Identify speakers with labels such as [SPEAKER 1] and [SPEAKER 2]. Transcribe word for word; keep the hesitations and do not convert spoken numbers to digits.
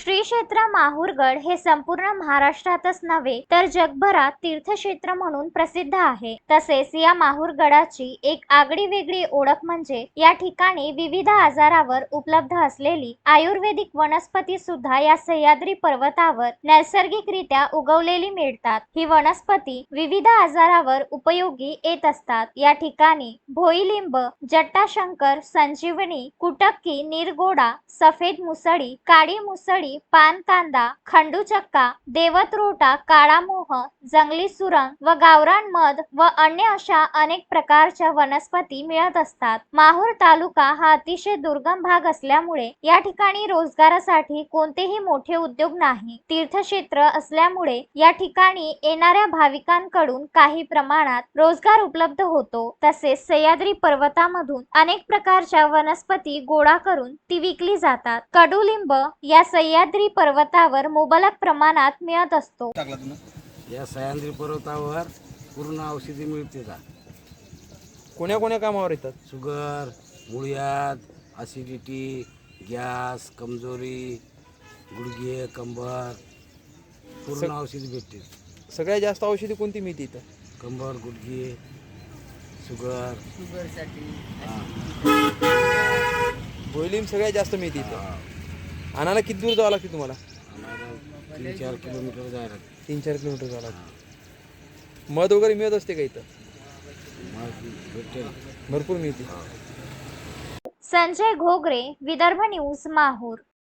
[SPEAKER 1] श्री क्षेत्र माहूरगड हे संपूर्ण महाराष्ट्रातच नव्हे तर जगभरात तीर्थक्षेत्र म्हणून प्रसिद्ध आहे। तसेच या माहूरगडाची एक आगळी वेगळी ओळख म्हणजे या ठिकाणी विविध आजारावर उपलब्ध असलेली आयुर्वेदिक वनस्पती सुद्धा या सह्याद्री पर्वतावर नैसर्गिकरित्या उगवलेली मिळतात। ही वनस्पती विविध आजारावर उपयोगी येत असतात। या ठिकाणी भोईलिंब, जटाशंकर, संजीवनी, कुटक्की, निरगोडा, सफेद मुसळी, काळी मुसळी, पानकांदा, खंडूचक्का, देवत्रोटा, काळा मोह, जंगली सुरंग व गावरान मध व अन्य अशा अनेक प्रकारच्या वनस्पती मिळत असतात। माहूर तालुका हा अतिशय दुर्गम भाग असल्यामुळे या ठिकाणी रोजगारासाठी कोणतेही मोठे उद्योग नाही। तीर्थक्षेत्र असल्यामुळे या ठिकाणी येणाऱ्या भाविकांकडून काही प्रमाणात रोजगार उपलब्ध होतो। तसेच सह्याद्री पर्वतामधून अनेक प्रकारच्या वनस्पती गोळा करून ती विकली जातात। कडुलिंब या सह्याद्री पर्वतावर मुबलक प्रमाणात मिळत असतो।
[SPEAKER 2] या सह्याद्री पर्वतावर पूर्ण औषधी मिळते का?
[SPEAKER 3] कोण्या कोण्या कामावर येतात?
[SPEAKER 2] शुगर, मुळ्यात, ॲसिडिटी, गॅस, कमजोरी, गुडघे, कंबर, पूर्ण औषधी भेटते।
[SPEAKER 3] सगळ्यात जास्त औषधी कोणती मिळते इथं?
[SPEAKER 2] कंबर, गुडघे, शुगर,
[SPEAKER 4] शुगरसाठी
[SPEAKER 3] भोईलिंब सगळ्यात जास्त मिळते इथं। आणायला किती दूर जावं लागते तुम्हाला?
[SPEAKER 2] तीन चार किलोमीटर जायला
[SPEAKER 3] तीन चार किलोमीटर जावं लागते। मध वगैरे मिळत असते का इथं?
[SPEAKER 2] भेटते
[SPEAKER 3] भरपूर मिळते।
[SPEAKER 1] संजय घोगरे, विदर्भ न्यूज, माहूर।